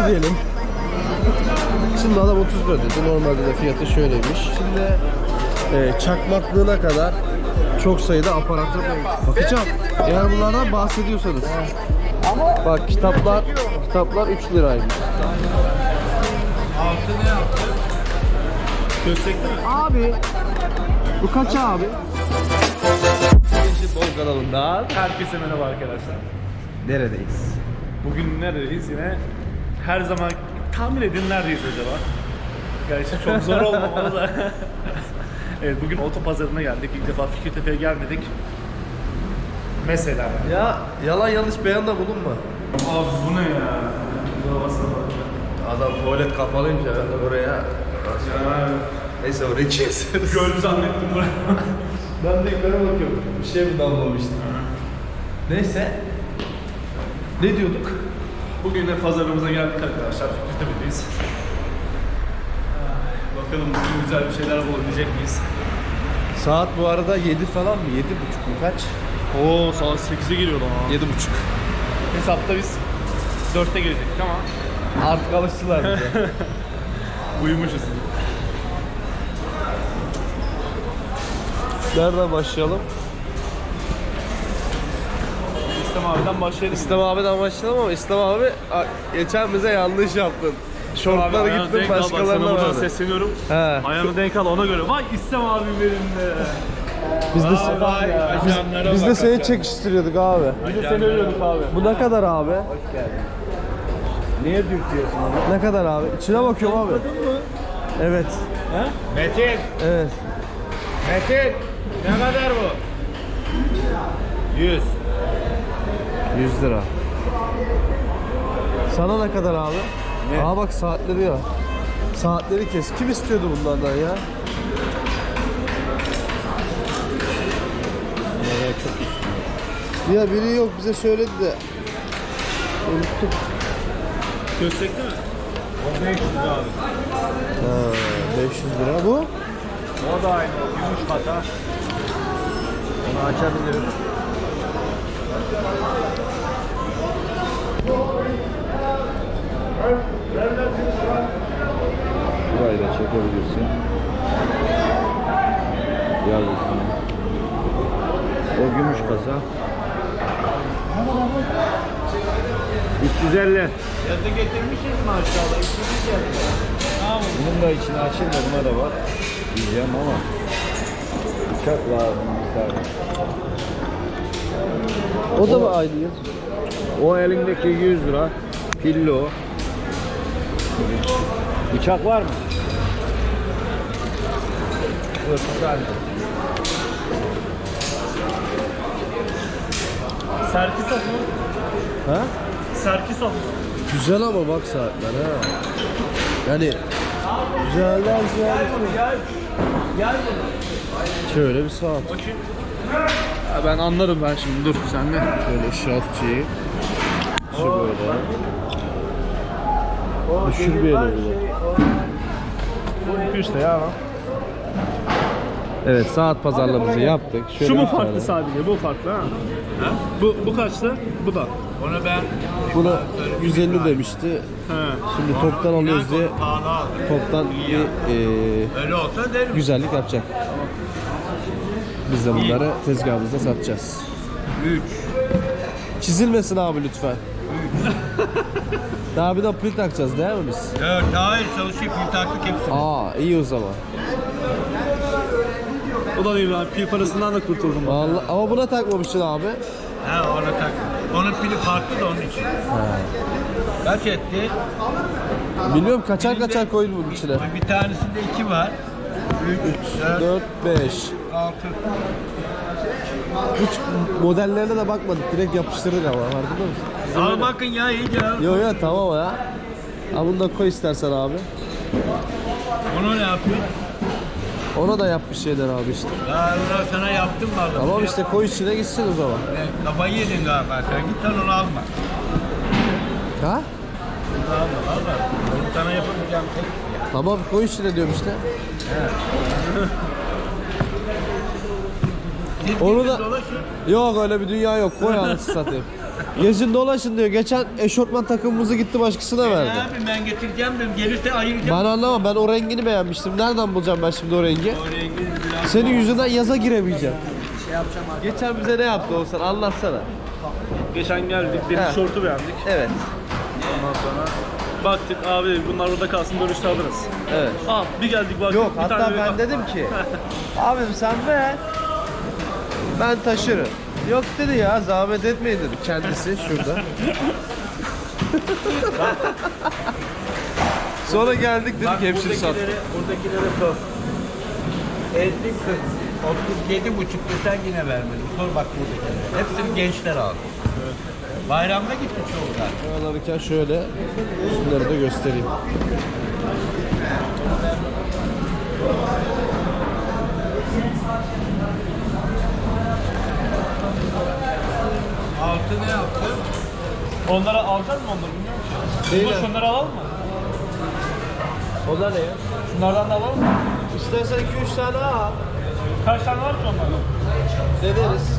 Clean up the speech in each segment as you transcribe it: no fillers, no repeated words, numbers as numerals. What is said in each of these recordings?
diyelim. Şimdi adam 30 lira dedi. Normalde de fiyatı şöyleymiş. Şimdi çakmaklığına kadar çok sayıda aparatı bakacağım. Eğer bunlardan bahsediyorsanız. Bak kitaplar 3 liraymış. Altı ne yaptı? Köstekli mi? Abi bu kaç abi? Gençlik Bol kanalında Herkese merhaba arkadaşlar. neredeyiz? Bugün neredeyiz yine? Her zaman tahmin edin neredeyiz acaba? Gerçi çok zor olmamalı da. Evet, bugün otopazarına geldik. İlk defa Fikirtepe'ye gelmedik. Mesela. Ya yalan yanlış beyanda bulunma. Abi bu ne ya? Babasına bak. Adam tuvalet kapalıymış herhalde buraya. Ya, Neyse orayı keseriz. göl zannettim buraya. Ben de yukarı bakıyorum. Bir şey mi damlamıştı? Neyse. Ne diyorduk? Bugün de pazarımıza geldik arkadaşlar. Fikirtepe'deyiz. Bakalım bugün güzel bir şeyler bulabilecek miyiz? Saat bu arada 7 falan mı? 7.30 mu kaç? Oo, saat 8'e geliyor lan. 7.30. Hesapta biz 4'te gelecektik ama Artık alıştılar bize. uyumuşuz. Nereden başlayalım? İslam abiden başlayalım. İslam abiden başlayalım ama İslam abi geçen bize yanlış yaptın. Şortlara Ayağını gittin denk al, bak başkalarına sana buradan verdi. sesleniyorum. He. Ayağını denk al, ona göre. Vay İslam abim benim de. Biz de seni çekiştiriyorduk abi. Biz de seni övüyorduk abi. Bu ne kadar abi? Niye dürtüyorsun onu? Ne kadar abi? İçine bakıyorum abi. Evet. Metin! Evet. Metin! Ne kadar bu? 100. 100 lira. Sana ne kadar abi? Ne? Aa bak saatleri ya. Saatleri kes. Kim istiyordu bunlardan ya? Nereye çok istiyor. Ya biri yok bize söyledi de. Unuttuk. Köstekli mi? O 500 abi. Ha, 500 lira bu. O da aynı. Gümüş kata. Onu açabilirim. Burayı da çekebilirsin. Yaz üstüne. O gümüş kasa. 350. Yazı getirmişiz mi aşağıda? Bunun da içine açayım da buna da var. Diyeceğim ama. Bıçak lazım bir tane. O da mı aynı yıl? O elindeki 100 lira. Pilli o. Bıçak var mı? Evet, güzel. Serkisov mu? Ha? Serkisov mu? Güzel ama bak saatler ha. Yani güzeller güzel. Şöyle bir saat. Bakayım. Ya ben anlarım ben şimdi, dur sen de. Şöyle şaft şeyi. Şu böyle. Düşürmeyelim bunu. Bu işte ya lan. Evet saat pazarlığımızı yaptık. Şöyle Şu mu bir farklı tane. sadece? Bu farklı ha? Bu kaçtı? Bu da. Onu ben Buna 150 demişti. He. Şimdi toptan alıyoruz diye pahalı aldım. toptan bir Öyle olsa derim. güzellik yapacak. Biz de bunları tezgahımızda satacağız. 3. Çizilmesin abi lütfen. Daha bir de pil takacağız değil mi biz? 4. Hayır çalışıyor pil taktık hepsini. Aa iyi o zaman. O da değil abi, pil parasından da kurtuldum. Vallahi, ama buna takmamışsın abi. Ha ona tak. Onun pili farklı da onun için. Kaç etti? Bilmiyorum kaçar koyun bunun içine. Bir tanesinde 2 var. 3, 4, 4, 5. 6. Hiç modellerine de bakmadık. Direkt yapıştırdık ama farkında mısın? Al bakın ya iyice. Yo yo tamam ya. Ha bunu da koy istersen abi. Onu ne yapıyor? Ona da yap bir şeyler abi işte. Ya Allah sana yaptım vallahi. Tamam işte koy içine gitsin o zaman. Kafayı yedin galiba sen. Git sen onu alma. Ha? Alma valla. Onu sana yapamayacağım tek. Tamam koy içine diyorum işte. Onu da... Dolaşın. Yok öyle bir dünya yok. Koy anasını satayım. Gezin dolaşın diyor. Geçen eşortman takımımızı gitti başkasına verdi. Ne yapayım ben getireceğim dedim. Gelirse ayıracağım. Ben anlamam. Ben o rengini beğenmiştim. Nereden bulacağım ben şimdi o rengi? O rengi biraz Senin yüzünden yaza giremeyeceğim. şey yapacağım artık. Geçen bize ne yaptı Oğuzhan? Anlatsana. Geçen geldik, deniz He. şortu beğendik. Evet. Ondan sonra baktık abi dedik, bunlar burada kalsın, dönüşte alırız. Evet. Bir geldik baktık Yok bir hatta tane ben dedim ki abim sen ver. Ben taşırım. Yok dedi ya zahmet etmeyin dedi kendisi şurada. Sonra geldik dedik hepsini sat. Buradakilere sor. 37,5 desen yine vermedim. Sor bak buradakilere. Hepsini gençler aldı. Bayramda gitti çoğu zaten. Alırken şöyle şunları da göstereyim. Altı ne yaptı? Onlara alacağız mı onları bilmiyorum ki. Değil Bunlar mi? şunları alalım mı? O da ne ya? Şunlardan da alalım mı? İstersen 2-3 tane al. Kaç tane var ki onlardan? Deneriz.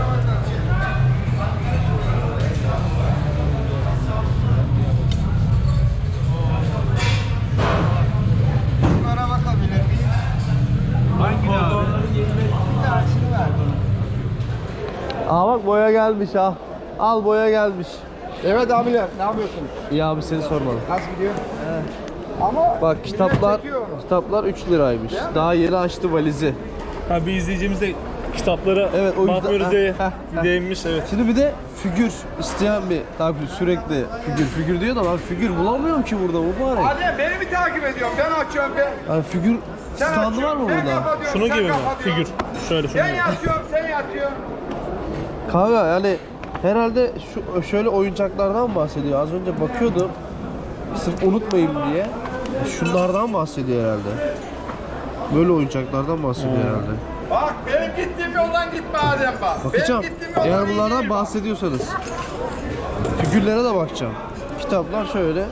Bunlara bakabilir miyim? Hangi abi? Bir tanesini ver bana. Aa bak boya gelmiş ha. Al boya gelmiş. Evet abiler, ne yapıyorsunuz? İyi abi seni sormadım. Nasıl gidiyor? Ama Bak kitaplar çekiyor onu. kitaplar 3 liraymış. Daha yeni açtı valizi. Ha bir izleyicimiz de kitaplara Evet, o yüzden- bakmıyoruz diye Heh, heh. değinmiş, evet. Şimdi bir de figür isteyen bir tabii sürekli figür diyor da ben figür bulamıyorum ki burada mübarek. Hadi beni mi takip ediyorsun? Ben açıyorum ben. Yani figür Sen standı var açıyorsun, mı ben burada? kapatıyorum, Şunu sen gibi mi? kapatıyorsun. Figür. Şöyle şunu Ben gibi. yatıyorum, sen yatıyorsun. Kanka yani herhalde şöyle oyuncaklardan bahsediyor. Az önce bakıyordum. Sırf unutmayayım diye. Şunlardan bahsediyor herhalde. Böyle oyuncaklardan bahsediyor herhalde. Bak benim gittiğim yoldan gitme Adem bak. Bakacağım. Benim gittiğim yoldan Eğer iyi bunlardan değil bak. bahsediyorsanız. Figürlere de bakacağım. Kitaplar şöyle.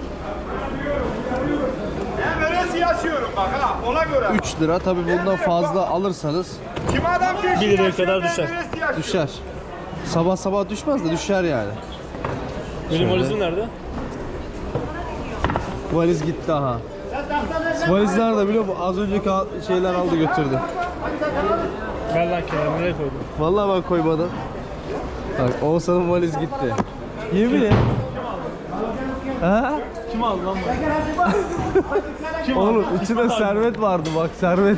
Ben öylesi yaşıyorum bak ha, ona göre. 3 lira. Tabii bundan fazla alırsanız Kim adam bir 1 liraya kadar düşer. düşer. Sabah sabah düşmez de düşer yani. Benim Şöyle. valizim nerede? Valiz gitti aha. Valiz nerede biliyor musun? Az önceki şeyler aldı götürdü. Ver lan kenara, nereye koydun? Vallahi ben koymadım. Bak Oğuzhan'ın valiz gitti. Yemin et. Ha? Kim aldı lan bunu? Oğlum içinde servet vardı bak servet.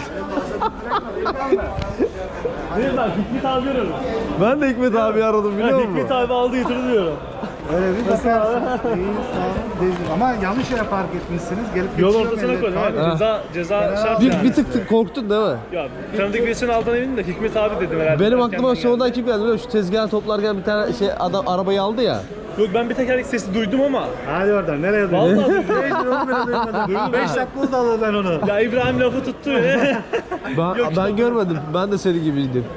Değil lan, Hikmet abi arıyorum. Ben de Hikmet abi aradım biliyor musun? Hikmet abi aldı götürdü diyorum. Öyle bir bakarsın. Ama yanlış yere park etmişsiniz. Gelip Yol geçiyor ortasına millet. koydum abi. Ha. Ceza şart Bir, yani. bir tık korktun değil mi? Ya tanıdık birisini aldığına eminim de Hikmet abi dedim herhalde. Benim Ben aklıma kendim sonradan geldim. kim geldi biliyor musun? Şu tezgahı toplarken bir tane şey adam arabayı aldı ya. Yok ben bir tekerlek sesi duydum ama. Hadi oradan nereye Vallahi duydun? duydum. Neydi oğlum böyle duymadım. Duydum. 5 dakika oldu alalı ben onu. Ya İbrahim lafı tuttu. Ben görmedim. Ben de senin gibiydim.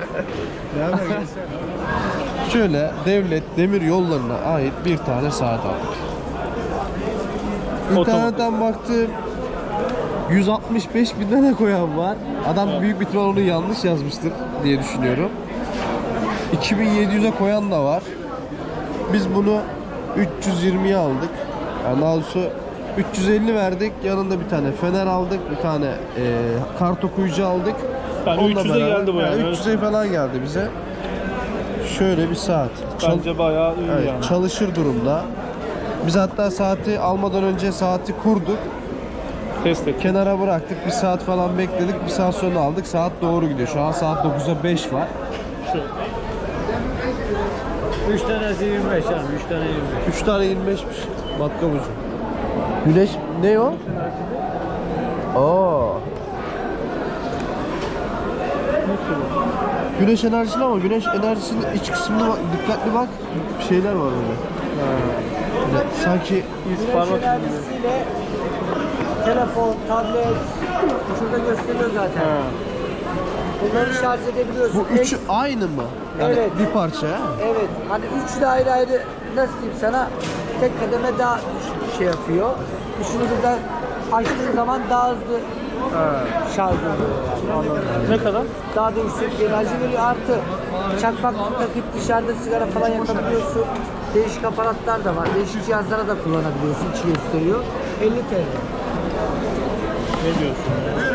Şöyle devlet demir yollarına ait bir tane saat aldık. İnternetten baktım. 165 bin lira koyan var. Adam büyük bir ihtimal onu yanlış yazmıştır diye düşünüyorum. 2700'e koyan da var. Biz bunu 320'ye aldık. Yani daha doğrusu 350 verdik. Yanında bir tane fener aldık. Bir tane kart okuyucu aldık. Yani Onunla 300'e beraber- geldi bu yani. 300'e falan geldi bize. Şöyle bir saat. Bence bayağı iyi Evet, yani. çalışır durumda. Biz hatta saati almadan önce saati kurduk. Test et. Kenara bıraktık. Bir saat falan bekledik. Bir saat sonra aldık. Saat doğru gidiyor. Şu an saat 9'a 5 var. 3 tanesi 25 yani 3 tane 25. 3 tane 25'miş. Matkap ucu. Güneş ne o? Aa. Güneş enerjili ama güneş enerjisinin iç kısmına bak, dikkatli bak. Şeyler var orada. Sanki Parmak Enerjisiyle telefon, tablet şurada gösteriyor zaten. Bunları şarj edebiliyorsun. bu üçü aynı mı? Yani Evet. bir parça ha? Evet. Hani üçü de ayrı ayrı nasıl diyeyim sana tek kademe daha şey yapıyor. Üçünü birden açtığın zaman daha hızlı şarj oluyor yani. Anladın mı? ne kadar? Daha da yüksek bir enerji veriyor. Artı çakmak takıp dışarıda sigara falan yakabiliyorsun. Değişik aparatlar da var. Değişik cihazlara da kullanabiliyorsun. İçi gösteriyor. 50 TL. Ne diyorsun?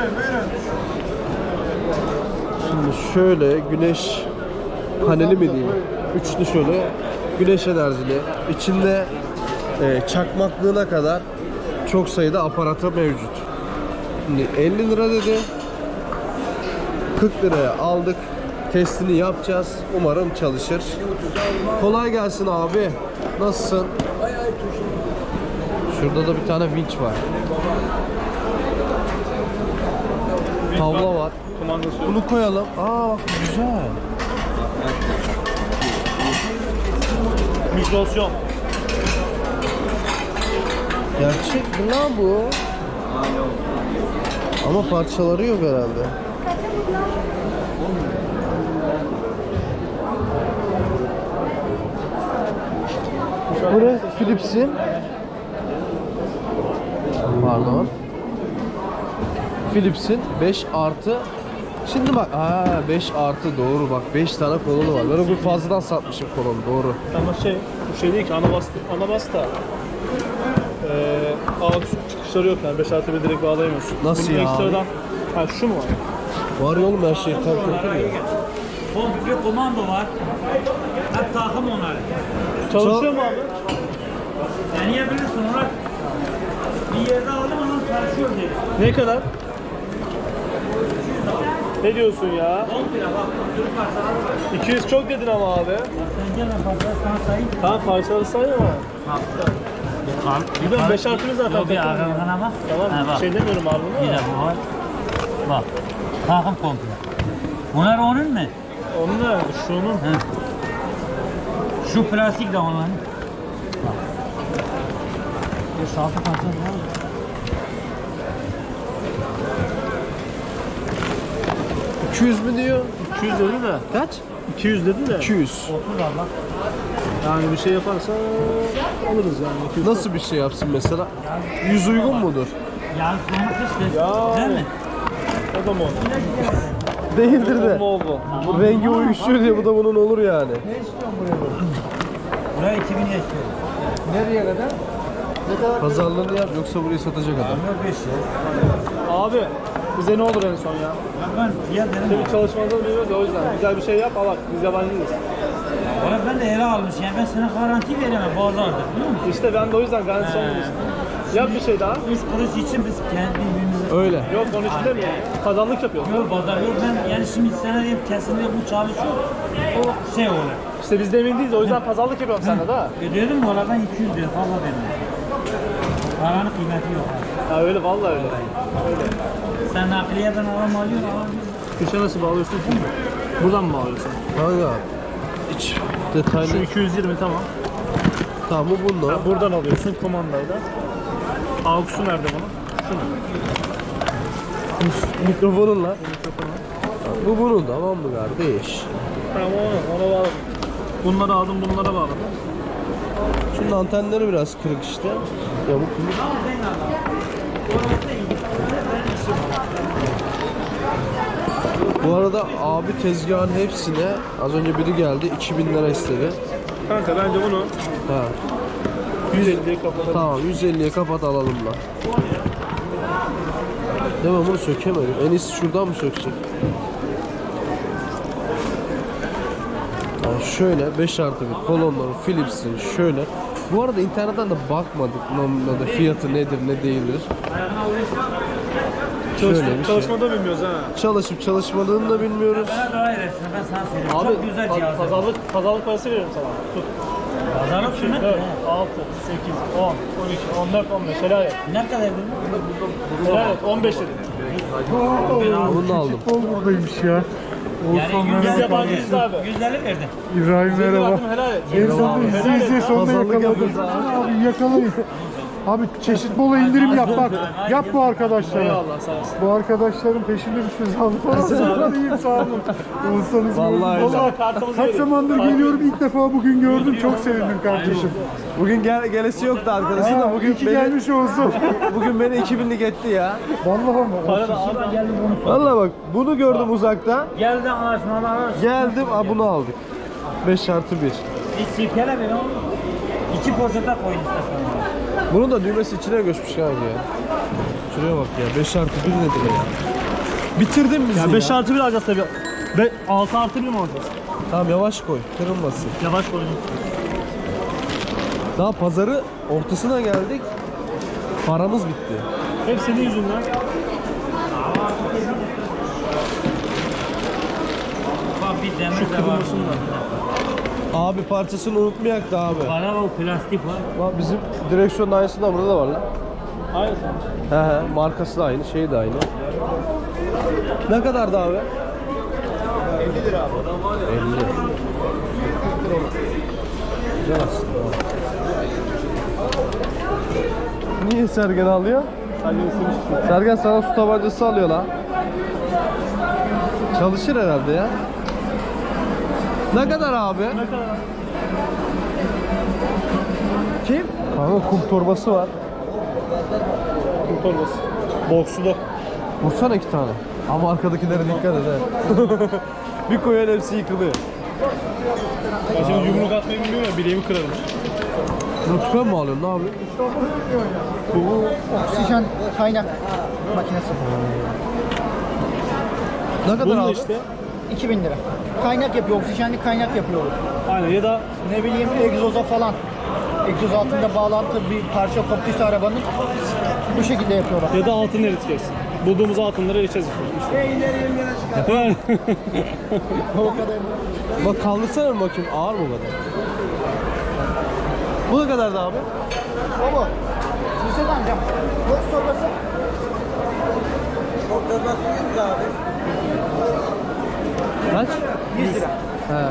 Şimdi şöyle güneş paneli mi diyeyim? Üçlü şöyle güneş enerjili. İçinde çakmaklığına kadar çok sayıda aparatı mevcut. Şimdi 50 lira dedi. 40 liraya aldık. Testini yapacağız. Umarım çalışır. Kolay gelsin abi. Nasılsın? Şurada da bir tane vinç var. Tavla var. Kumandası yok. Bunu koyalım. Aa bak güzel. Mikrosyon. Gerçek mi lan bu? Ama parçaları yok herhalde. Bu ne? Philips'in. Pardon. Philips'in 5 artı. Şimdi bak 5 artı doğru bak 5 tane kolonu var. Ben o gün fazladan satmışım kolonu doğru. Ama bu şey değil ki anabas da ağaç çıkışları yok yani 5 artı bir direkt bağlayamıyorsun. Nasıl Bunun ya ekstradan, ha şu mu var? Var ya oğlum her şey tam kurtar ya. Komple komando var. Hep takım onlar. Çalışıyor mu abi? Deneyebilirsin onlar. Bir yerde aldım ama çalışıyor diye. Ne kadar? Ne diyorsun ya? 10 lira bak. Sürü parçalar var. 200 çok dedin ama abi. Sen gel ben parçaları sana sayayım. Tamam parçaları say ama. Biliyorum 5 artı bir zaten. Yok bir takım. arkana bak. Tamam Ha, bak. şey demiyorum abi Bir bunu. de bu var. Bak. Takım komple. Bunlar onun mu? Onun nerede? Şunun. He. Şu plastik de onların. Bak. 5-6 parça var. 200 mü diyor? 200 dedi de. Kaç? 200 dedi de. 200. 30 var bak. Yani bir şey yaparsa alırız yani. 200. Nasıl bir şey yapsın mesela? 100 uygun mudur? Yağ sonu işte. Ya. Değil mi? O da mı oldu? Değildir de. Ne oldu? Bu rengi uyuşuyor diye bu da bunun olur yani. Buraya 2000 istiyor. Nereye kadar? Pazarlığını yap yoksa burayı satacak adam. Yok 5 ya. Abi bize ne olur en son ya? Ben fiyat dedim. Tabii çalışmadan biliyoruz ya o yüzden. Güzel bir şey yap alak. Biz yabancıyız. Valla ben de ele almış yani ben sana garanti veremem pazarda biliyor musun? İşte ben de o yüzden garanti olmamıştım. Yap bir şey daha. 3 kuruş için biz kendi birbirimize... Öyle. Yok onun için demiyorum. Kazanlık yapıyoruz. Yok pazar yok ben yani şimdi sana diyeyim kesinlikle bu çalışıyor. O şey olur. İşte biz de emin değiliz o yüzden pazarlık yapıyorum sende de. Ödedim mi oradan 200 lira fazla verdim. Paranın kıymeti yok abi. Ha öyle vallahi öyle. Sen nakliyeden alam alıyor alam. Kışa nasıl bağlıyorsun? Buradan mı bağlıyorsun? Kanka iç detaylı. Şu 220 tamam. Tamam bu bunlar. Ha, buradan alıyorsun kumandayla. Aux'u nerede bunun? Şu mu? Mikrofonunla. Bu bunun tamam mı kardeş? Tamam ona bağladım. Bunları aldım bunlara bağladım. Şunun antenleri biraz kırık işte. Yamuk kırık. Bu arada abi tezgahın hepsine az önce biri geldi 2000 lira istedi. Kanka bence bunu Ha. 150'ye kapatalım. Tamam 150'ye kapat alalım da. Değil mi bunu sökemedim. En iyisi şuradan mı söksek? Yani şöyle 5 artı bir kolonları Philips'in şöyle. Bu arada internetten de bakmadık normalde fiyatı nedir ne değildir. Şöyle bir şey. Çalışmada bilmiyoruz ha. Çalışıp çalışmadığını da bilmiyoruz. Bana daha ilerisine ben sana söyleyeyim. Abi Çok güzel cihaz. pazarlık parası veriyorum sana. Tut. Pazarlık sünnet 4, mi? 6, 8, 10, 12, 14, 15 helal et. Ne kadar dedin? Helal et 15 dedim. Bunu da aldım. Futbol buradaymış ya. Yani Biz yabancıyız abi. 150 verdin. İbrahim Benim merhaba. aklım helal et. En sonunda izleyiciye sonunda Pazarlık yakaladım. yapıyoruz Abi yakalayın. Abi çeşit bol indirim yap bak. Yap bu arkadaşlara. Eyvallah sağ olasın. Bu arkadaşların peşinde düşmüş abi falan. İyiyim sağ olun. Olsanız Vallahi öyle. Vallahi kartımızı Kaç verin. zamandır geliyorum ilk defa bugün gördüm. Çok sevindim kardeşim. Bugün gelesi yoktu arkadaşın da bugün İyi ki beni, gelmiş olsun. bugün beni 2000'lik etti ya. Vallahi mı? Para da abi. Geldi bunu sor. Valla bak bunu gördüm uzakta. Geldi anlaşmalar. Geldim bunu aldık. 5 artı 1. Bir sirkele ver oğlum. 2 poşete koyun istersen. Bunun da düğmesi içine göçmüş abi ya. Şuraya bak ya. 5+1 nedir ya? Bitirdin bizi ya. 5+1 alacağız tabii. 6+1 mi alacağız? Tamam yavaş koy. Kırılmasın. Yavaş koyun. Daha pazarı ortasına geldik. Paramız bitti. Hep senin yüzünden. Bak bir demir de var. Abi parçasını unutmayak da abi. Bana o plastik var. Bak bizim direksiyon aynısı da burada da var lan. Hayır. He, markası da aynı, şeyi de aynı. Ne kadardı abi? 50 lira abi. 50. Güzel aslında. Niye Sergen alıyor? Sergen sana su tabancası alıyor lan. Çalışır herhalde ya. Ne kadar abi? Ne kadar? Kim? Kanka kum torbası var. Kum torbası. Boksulu. Vursana 2 tane. Ama arkadakilere dikkat et he. Bir koyan hepsi yıkılıyor. Ben şimdi yumruk atmayı bilmiyorum ya, bileğimi kırarım. Bunu tüpen mi alıyorsun? Ne yapıyorsun? Bu oksijen kaynak makinesi. Ne kadar Bunun da abi? işte. 2000 lira. Kaynak yapıyor, oksijenli kaynak yapıyor. Aynen ya da Ne bileyim egzoza falan. Egzoz altında bağlantı bir parça koptuysa arabanın bu şekilde yapıyorlar. ya da altın eriteceğiz. Bulduğumuz altınları eriteceğiz işte. Yani. O kadar. Bak kaldırsana bir bakayım. Ağır mı bu kadar? Bu ne kadardı abi? O mu? Lisede amcam. Boks torbası. Kaç? 100 lira. He.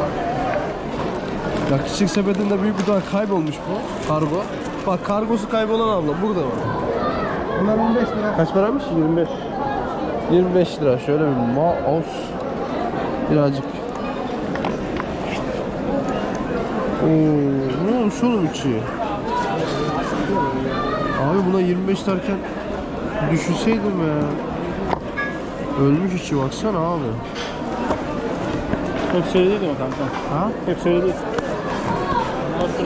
Ya küçük sepetinde büyük bir tane kaybolmuş bu. Kargo. Bak kargosu kaybolan abla burada var. Bunlar 15 lira. Kaç paraymış? 25. 25 lira. Şöyle bir mouse. Birazcık. Ne olmuş oğlum içi? Abi buna 25 derken düşünseydim ya. Ölmüş içi baksana abi. Hep söyledi mi kanka? Ha? Hep söyledi. Baksana.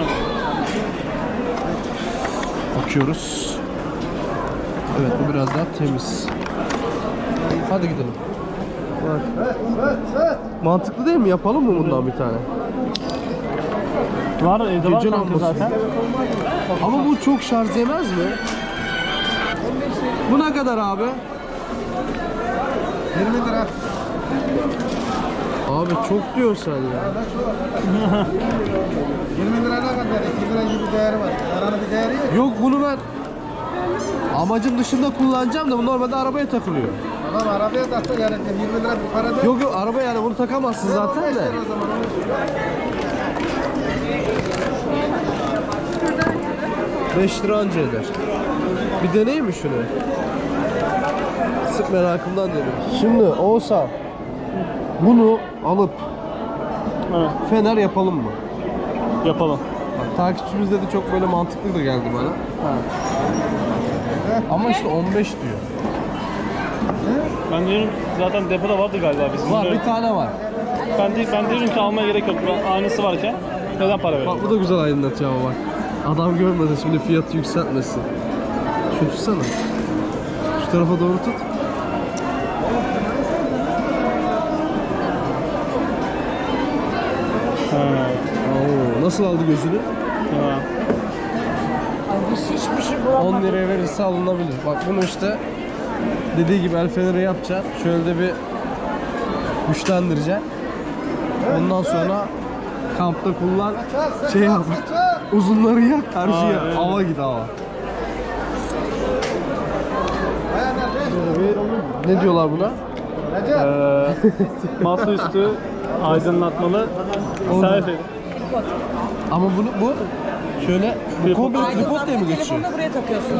Bakıyoruz. Evet bu biraz daha temiz. Hadi gidelim. Bak. Mantıklı değil mi? Yapalım mı bundan bir tane? Var evde var Gece kanka lambası. zaten. Ama bu çok şarj yemez mi? Bu ne kadar abi? 20 lira. Abi çok diyorsun sen ya. 20 lira ne kadar? 2 lira gibi değeri var. Paranın bir değeri yok. Yok bunu ben amacım dışında kullanacağım da bu normalde arabaya takılıyor. Adam arabaya taksa yani 20 lira bir para değil. Yok yok araba yani bunu takamazsın zaten de. O zaman 5 lira anca eder. Bir deneyim mi şunu? Sık merakımdan deniyorum. Şimdi olsa bunu alıp Evet. fener yapalım mı? Yapalım. Bak, takipçimiz dedi çok böyle mantıklı da geldi bana. Ama işte 15 diyor. Ben diyorum zaten depoda vardı galiba bizim. Var bir tane var. Ben diyorum ki almaya gerek yok. Aynısı varken neden para verelim? Bak bu da güzel aydınlatıyor ama bak. Adam görmedi şimdi fiyatı yükseltmesin. Şu tutsana. Şu tarafa doğru tut. Oo, nasıl aldı gözünü? Ha. Biz hiçbir şey 10 bulamadık. liraya verirse alınabilir. Bak bunu işte dediği gibi el feneri yapacaksın. Şöyle de bir güçlendireceksin. Ondan sonra kampta kullan şey yap. Uzunları yak karşıya. evet. Hava git hava. Böyle bir, ne diyorlar buna? Masaüstü aydınlatmalı selfie. Ama bu şöyle bu komple tripod diye mi Aydınlatma geçiyor? telefonunu buraya takıyorsunuz.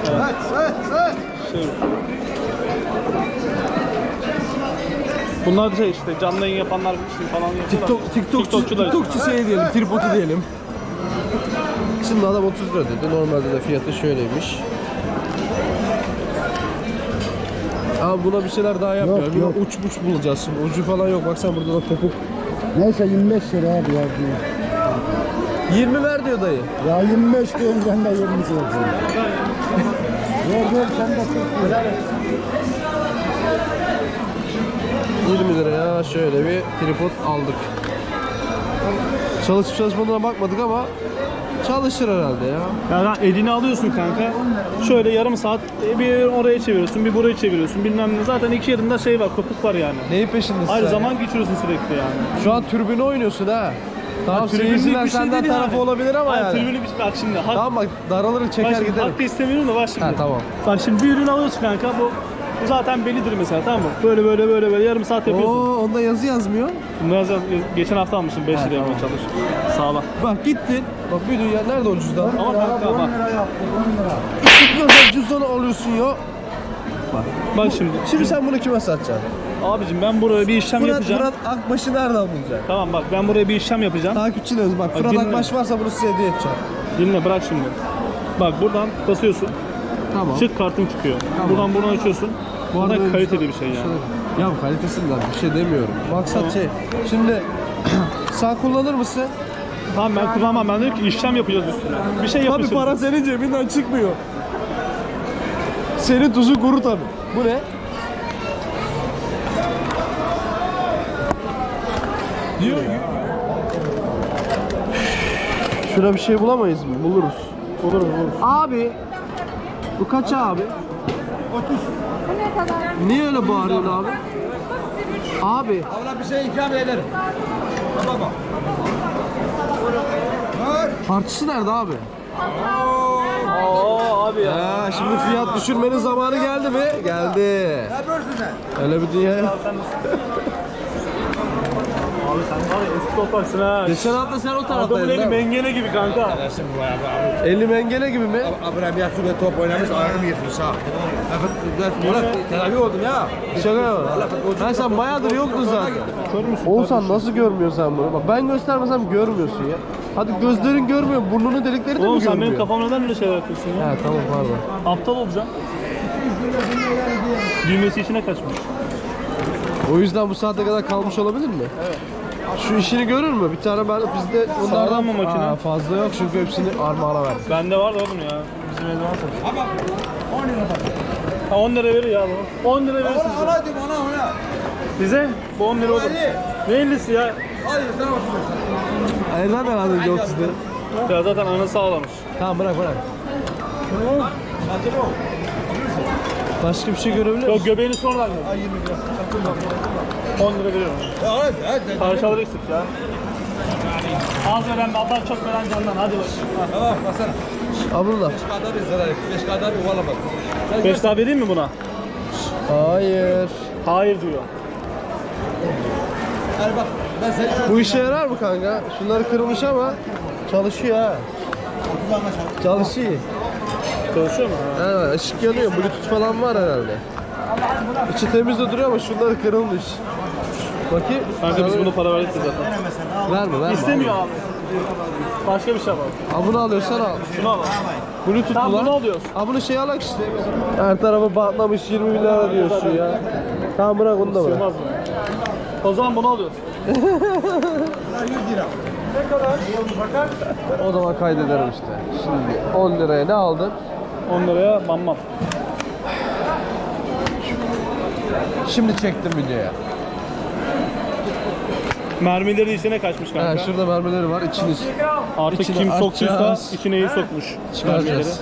Şey. Bunlar da şey işte canlı yayın yapanlar işte falan yapıyorlar. TikTokçu şey diyelim, tripodu diyelim. Şimdi adam 30 lira dedi. Normalde de fiyatı şöyleymiş. Abi buna bir şeyler daha yapıyor. Yok, Bir yok. uç bulacağız şimdi. Ucu falan yok. Baksana burada da topuk. Neyse 25 lira abi ya. 20 ver diyor söyle dayı. Ya 25 diyorum ben de 20 söyleyeceğim. Ver sen de çok 20 liraya şöyle bir tripod aldık. Çalışıp çalışmadığına bakmadık ama çalışır herhalde ya. Yani elini alıyorsun kanka. Şöyle yarım saat bir oraya çeviriyorsun, bir buraya çeviriyorsun. Bilmem ne. Zaten iki yerinde şey var, kopuk var yani. Neyin peşindesin Ayrı sen? zaman geçiriyorsun sürekli yani. Şu an türbünü oynuyorsun ha. Tamam, Tribünlük seyirciler bir şey senden değil tarafı yani. olabilir ama Hayır, yani. tribünlük bir şey. Bak şimdi. Hak, Tamam bak, daralır bak çeker şimdi, giderim. hak da istemiyorum da bak şimdi. Ha, tamam. Bak şimdi bir ürün alıyorsun kanka. Bu zaten bellidir mesela, tamam mı? Böyle yarım saat yapıyorsun. Oo, onda yazı yazmıyor. Geçen hafta almışım 5 liraya tamam. çalış. Sağlam. Bak gittin. Bak bir dünya nerede o cüzdan? Ama kanka bak. Çıkmıyorsa cüzdanı alıyorsun ya. Bak şimdi. Şimdi sen bunu kime satacaksın? Abicim ben buraya bir işlem yapacağım. Fırat Akbaş'ı nereden bulacaksın? Tamam bak ben buraya bir işlem yapacağım. Takipçilerimiz bak, Fırat dinle. Akbaş varsa bunu size hediye edeceğim. Dinle bırak şimdi. Bak buradan basıyorsun. Tamam. Çık kartın çıkıyor. Tamam. Buradan açıyorsun. Bu arada arada kaliteli bir şey yani. Ya kalitesinden bir şey demiyorum. Maksat şey. Şimdi sen kullanır mısın? Tamam ben kullanmam. Ben dedim ki işlem yapacağız üstüne. Bir şey Tabii yapıştır. para senin cebinden çıkmıyor. Senin tuzu kuru tabii. Bu ne? Diyor. Şuna bir şey bulamayız mı? Buluruz. Olur. Abi. Bu kaç abi? 30. Niye öyle bağırıyorsun abi? Abi. Abla bir şey ikram ederim. Baba. Tartısı nerede abi? Oo abi ya. Ha, şimdi fiyat düşürmenin zamanı geldi mi? Geldi. Ne yapıyorsun sen? Öyle bir dünya. Abi sen var ya eski topraksın ha. Geçen hafta sen o Adamın taraftaydın eli değil mi? mengene gibi kanka. Eli mengene gibi mi? Abraham ve top oynamış, ayağım yırtmış ha. Murat tedavi oldum ya. Şaka yapma. Ben sen bayağıdır yoktun zaten. Oğuzhan nasıl görmüyorsun sen bunu? Bak ben göstermesem görmüyorsun ya. Hadi gözlerin görmüyor, burnunun delikleri de Oğlum mi sen görmüyor? benim kafamda neden öyle şeyler yapıyorsun ya? He tamam pardon. Aptal olacaksın. Düğmesi içine kaçmış. O yüzden bu saate kadar kalmış olabilir mi? Evet. Şu işini görür mü? Bir tane ben bizde Sağlam mı makine? Aa, fazla yok çünkü hepsini armağana verdim. Bende var da oğlum ya. Bizim evde var tabii. Ama 10 lira bak. Ha 10 lira verir ya bu. 10 lira verirsin bize. Ona diyorum ona. Bize bu 10 lira olur. Ne 50'si ya? Hadi sen oturursun. Aynen herhalde yok sizde. Ya zaten anası ağlamış. Tamam bırak. Başka bir şey görebiliyor Yok musun? göbeğini sonradan gör. 10 lira veriyorum. Hadi. Parçalar eksik ya. Az veren baldan çok veren candan. Hadi bakayım. Tamam basana. Abdullah. 5 kadar bir zarar etti. 5 kadar bir valla bak. 5 daha vereyim mi buna? Hayır. Hayır diyor. Hadi bak ben seni Bu işe yarar mı kanka? Şunları kırılmış ama çalışıyor ha. Çalışıyor. Çalışıyor mu? Evet, ışık yanıyor. Bluetooth falan var herhalde. İçi temiz de duruyor ama şunları kırılmış. Bakayım. Kanka biz bunu para verdik de zaten. Verme. İstemiyor abi. Başka bir şey var. Ha, bunu alıyorsan al. Şunu al. Bluetooth Tamam, bu lan. bunu alıyoruz. Ha bunu şey alak işte. Her tarafı batlamış 20 bin lira diyorsun ya. Tamam bırak onu da bırak. Sığmaz mı? O zaman bunu alıyoruz. O zaman kaydederim işte. Şimdi 10 liraya ne aldın? 10 liraya mammam. Şimdi çektim videoya. Mermileri içine kaçmış kanka. Ha, şurada mermileri var. İçini Artık içine kim soktuysa açacağız. içine iyi sokmuş. Mermileri. çıkaracağız.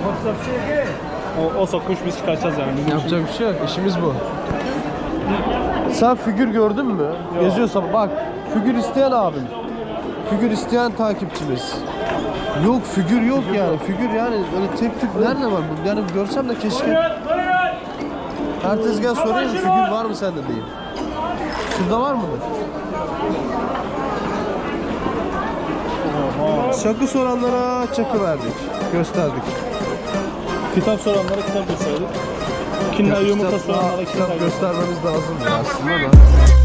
O sokmuş biz çıkartacağız yani. Bizim Yapacak bir şey yok. İşimiz bu. Sen figür gördün mü? Geziyorsa bak. Figür isteyen abim. Figür isteyen takipçimiz. Yok figür yok yani. Figür yani öyle tek tük nerede var bu? Yani görsem de keşke. Her tezgah soruyor figür var mı sende diyeyim. Şurada var mı? Çakı soranlara çakı verdik. Gösterdik. kitap soranlara kitap gösterdik. Kinder yumurta soranlara Kitap kitap gösterdik. göstermemiz lazım aslında da.